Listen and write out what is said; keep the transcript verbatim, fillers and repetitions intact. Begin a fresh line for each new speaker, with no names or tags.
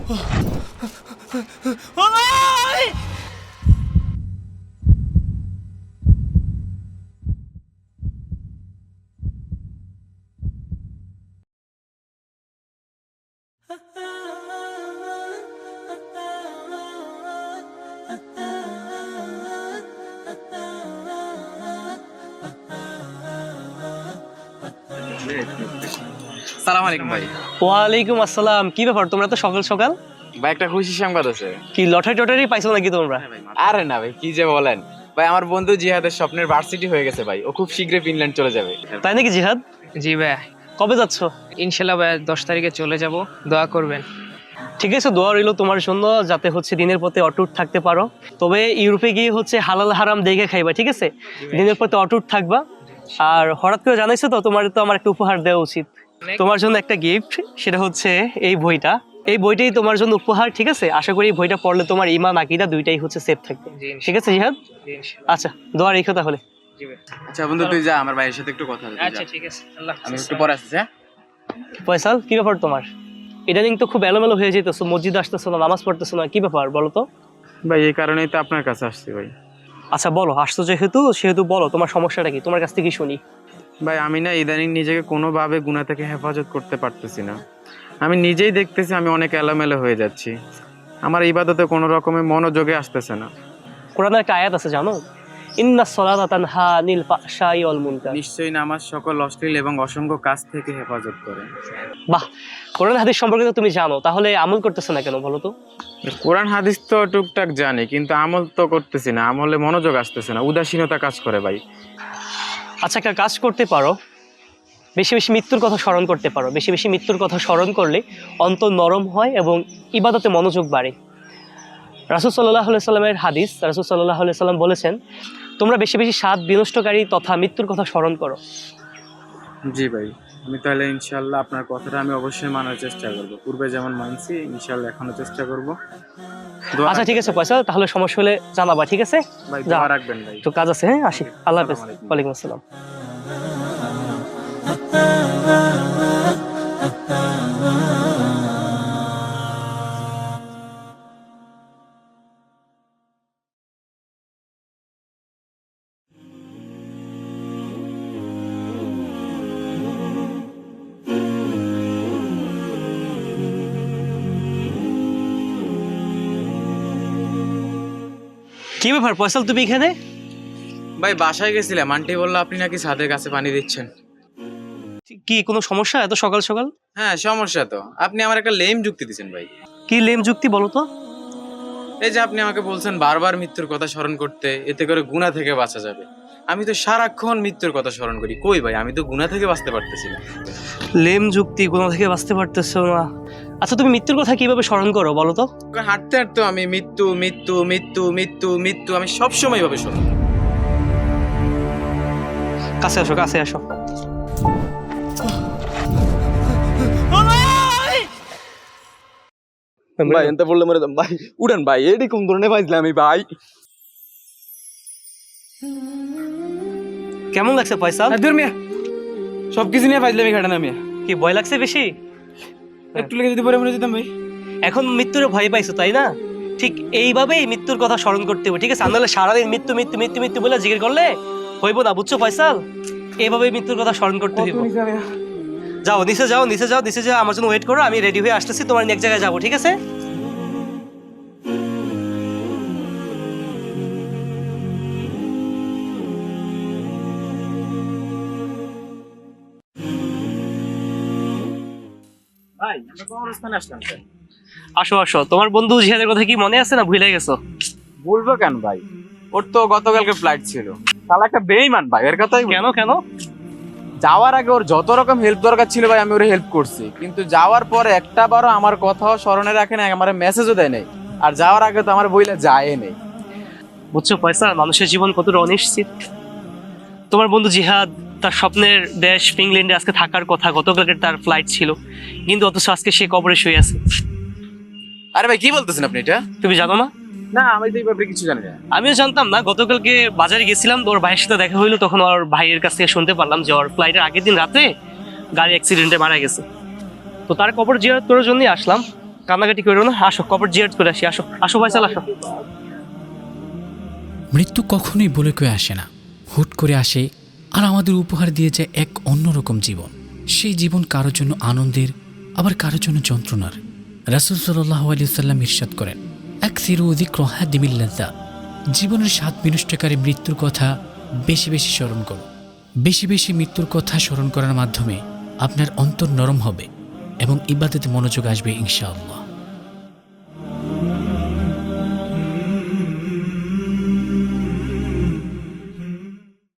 সালাম আলাইকুম ভাই।
ওয়ালাইকুম আসসালাম। কি ব্যাপার তোমরা তো সকাল সকাল?
ভাই একটা খুশি সংবাদ আছে।
কি লটারি টটারি পাইছো নাকি তোমরা?
আরে না ভাই, কি যে বলেন ভাই, আমার বন্ধু জিহাদের স্বপ্নের ভার্সিটি হয়ে গেছে ভাই। ও খুব শীঘ্রই ফিনল্যান্ড চলে যাবে।
তাই নাকি জিহাদ?
জি ভাই,
কবে যাচ্ছ?
ইনশাল্লাহ ভাই দশ তারিখে চলে যাব, দোয়া করবেন।
ঠিক আছে, দোয়া রইল তোমার জন্য, যাতে হচ্ছে দিনের পথে অটুট থাকতে পারো। তবে ইউরোপে গিয়ে হচ্ছে হালাল হারাম দেখে খাইবা, ঠিক আছে? দিনের পথে অটুট থাকবা। আর হঠাৎ করে জানাইছো তো, তোমার তো আমার একটা উপহার দেওয়া উচিত। তোমার জন্য একটা গিফট, সেটা হচ্ছে এই বইটা। এই বইটাই তোমার জন্য উপহার, ঠিক আছে? আশা করি এই বইটা পড়লে তোমার ইমান আকিদা দুইটাই হচ্ছে সেফ থাকবে, ঠিক আছে জিহাদ? আচ্ছা, দোয়া রেখো তাহলে।
আচ্ছা বন্ধু, তুই যা, আমার ভাইয়ের সাথে একটু কথা বলতে।
আচ্ছা ঠিক আছে, আল্লাহ
আমি একটু পরে আসছি। হ্যাঁ
ফয়সাল, কি ব্যাপার তোমার? ইদানিং তো খুব এলোমেলো হয়ে যেতেছো, মসজিদে আসতেছো না, নামাজ পড়তেছো না, কি ব্যাপার বলো তো?
ভাই, এই কারণেই তো আপনার কাছে আসছি ভাই।
আচ্ছা বলো, আসছো যেহেতু সেহেতু বলো তোমার সমস্যাটা কি, তোমার কাছ থেকে শুনি।
ভাই আমি না ইদানিং নিজেকে কোনোভাবে গুনাহ থেকে হেফাজত করতে পারতেছি না। আমি নিজেই দেখতেছি আমি অনেক এলোমেলো হয়ে যাচ্ছি। আমার ইবাদতে কোনো রকমের মনোযোগে আসতেছে না।
কোরআনের একটা আয়াত আছে জানো? ইন্নাস সালাতা তানহা আনিল ফাহশাই ওয়াল মুনকার।
নিশ্চয়ই নামাজ সকল অশ্লীল এবং অসংখ্য কাজ থেকে হেফাজত করে।
বাহ, কোরআন হাদিস সম্পর্কে তো তুমি জানো, তাহলে আমল করতেছো না কেন বলো তো?
কোরআন হাদিস তো টুকটাক জানি, কিন্তু আমল তো করতেছি না। আমলে মনোযোগ আসতেছে না, উদাসীনতা কাজ করে ভাই।
আচ্ছা, একটা কাজ করতে পারো, বেশি বেশি মৃত্যুর কথা স্মরণ করতে পারো। বেশি বেশি মৃত্যুর কথা স্মরণ করলে অন্তর নরম হয় এবং ইবাদতে মনোযোগ বাড়ে। রাসূল সাল্লাল্লাহু আলাইহি সাল্লামের হাদিস, রাসূল সাল্লাল্লাহু আলাইহি সাল্লাম বলেছেন, তোমরা বেশি বেশি স্বাদ বিনষ্টকারী তথা মৃত্যুর কথা স্মরণ করো।
জি ভাই, আমি তাহলে ইনশাল্লাহ আপনার কথাটা আমি অবশ্যই মানার চেষ্টা করব। পূর্বে যেমন মানছি, ইনশাল্লাহ এখনো চেষ্টা করব।
আচ্ছা ঠিক আছে পয়সা, তাহলে সমস্যা হলে জানাবা, ঠিক আছে?
ভাই
যা,
দোয়া রাখবেন ভাই।
একটু কাজ আছে, হ্যাঁ আসি। আল্লাহ হাফেজ।
আসসালামু আলাইকুম।
ওয়ালাইকুম আসসালাম। কি ব্যাপার ফয়সাল, তুমি এখানে?
ভাই বাসায় গেছিলাম, আন্টি বললো আপনি নাকি ছাদের কাছে পানি দিচ্ছেন।
কি কোনো সমস্যা এত সকাল সকাল?
হ্যাঁ সমস্যা তো, আপনি আমার একটা লেম যুক্তি দিচ্ছেন ভাই।
কি লেম যুক্তি বলো তো?
এই যে আপনি আমাকে বলছেন বারবার মৃত্যুর কথা স্মরণ করতে, এতে করে গুনাহ থেকে বাঁচা যাবে। আমি তো সারাক্ষণ মৃত্যুর কথা স্মরণ করি, কই ভাই আমি তো গুনাহ থেকে বাঁচতে পারতেছি না।
লেম যুক্তি, গুনাহ থেকে বাঁচতে পারতেছো না? আচ্ছা তুমি মৃত্যুর কথা কিভাবে স্মরণ করো বলো তো?
হাঁটতে হাঁটতে আমি মৃত্যু মৃত্যু মৃত্যু মৃত্যু মৃত্যু আমি সবসময় ভাবে শুনি।
কাছে আসো, কাছে আসো।
ভাই এনতে বললে মরে যাম ভাই। উড়েন ভাই, এডি কোন ধরনের পাইছিলাম আমি ভাই।
কেমন লাগছে ফয়সাল?
দূর মিয়া, সবকিছু নিয়ে পাইছিলাম এই ঘাটে না মিয়া।
কি ভয় লাগছে বেশি?
একটু লেগে যদি পরে মরে যেতাম ভাই।
এখন মৃত্যুর ভয় পাইছো তাই না? ঠিক এইভাবেই মৃত্যুর কথা স্মরণ করতে হবে, ঠিক আছে? নাহলে সারাদিন মৃত্যু মৃত্যু মৃত্যু মৃত্যু বলে জিজ্ঞেস করলে হইব না, বুঝছো ফয়সাল? এইভাবেই মৃত্যুর কথা স্মরণ করতে হইব। যাও নিচে যাও, নিচে যাও, নিচে যাও, আমার জন্য ওয়েট করো, আমি রেডি হয়ে আসতেছি, তোমার এক জায়গায় যাবো, ঠিক আছে?
ভাই আমরা কবরস্থানে আসলাম কেন?
আসো আসো, তোমার বন্ধু জিহাদের কথা কি মনে আছে না ভুলে গেছো?
বলবো কেন ভাই, ওর তো গতকালকে ফ্লাইট ছিল। তাহলে একটা বেইমান ভাই, এর কথাই বলি।
কেন কেন?
যাওয়ার আগে ওর যত রকম হেল্প দরকার ছিল ভাই আমি ওর হেল্প করছি, কিন্তু যাওয়ার পরে একটা বারও আমার কথাও স্মরণে রাখে না, আমার মেসেজও দেয় নাই। আর যাওয়ার আগে তো আমার বইলে যায় নেই।
বুঝছো ফয়সাল, মানুষের জীবন কতটা অনিশ্চিত। তোমার বন্ধু জিহাদ তার স্বপ্নের দেশ ফিনল্যান্ডে আজকে থাকার কথা, গতকালকে তার ফ্লাইট ছিল, কিন্তু অথচ আজকে সে কবরে শুয়ে আছে।
আরে ভাই কি বলতেছেন আপনি এটা?
তুমি জানো না?
না আমি তো এই ব্যাপারে কিছু জানি না।
আমিও জানতাম না। গতকালকে বাজারে গেছিলাম, ওর ভাইয়ের সাথে দেখা হইলো, তখন ওর ভাইয়ের কাছ থেকে শুনতে পারলাম যে ওর ফ্লাইটের আগের দিন রাতে গাড়ি অ্যাক্সিডেন্টে মারা গেছে। তো তার কবর জিয়ারত করার জন্যই আসলাম। কান্নাকাটি করো না, আসো কবর জিয়ারত করে আসি। আসো আসো ভাইসাল, আসো।
মৃত্যু কখনোই বলে কয়ে আসে না, হুট করে আসে আর আমাদের উপহার দিয়ে যায় এক অন্যরকম জীবন। সেই জীবন কারোর জন্য আনন্দের, আবার কারোর জন্য যন্ত্রণার। রাসূল সাল্লাল্লাহু আলাইহি ওয়াসাল্লাম ইরশাদ করেন, আকসিরু যিকরা দিমিল লাযযা, জীবনের স্বাদ বিনষ্টকারী মৃত্যুর কথা বেশি বেশি স্মরণ করো। বেশি বেশি মৃত্যুর কথা স্মরণ করার মাধ্যমে আপনার অন্তর নরম হবে এবং ইবাদতে মনোযোগ আসবে ইনশাআল্লাহ।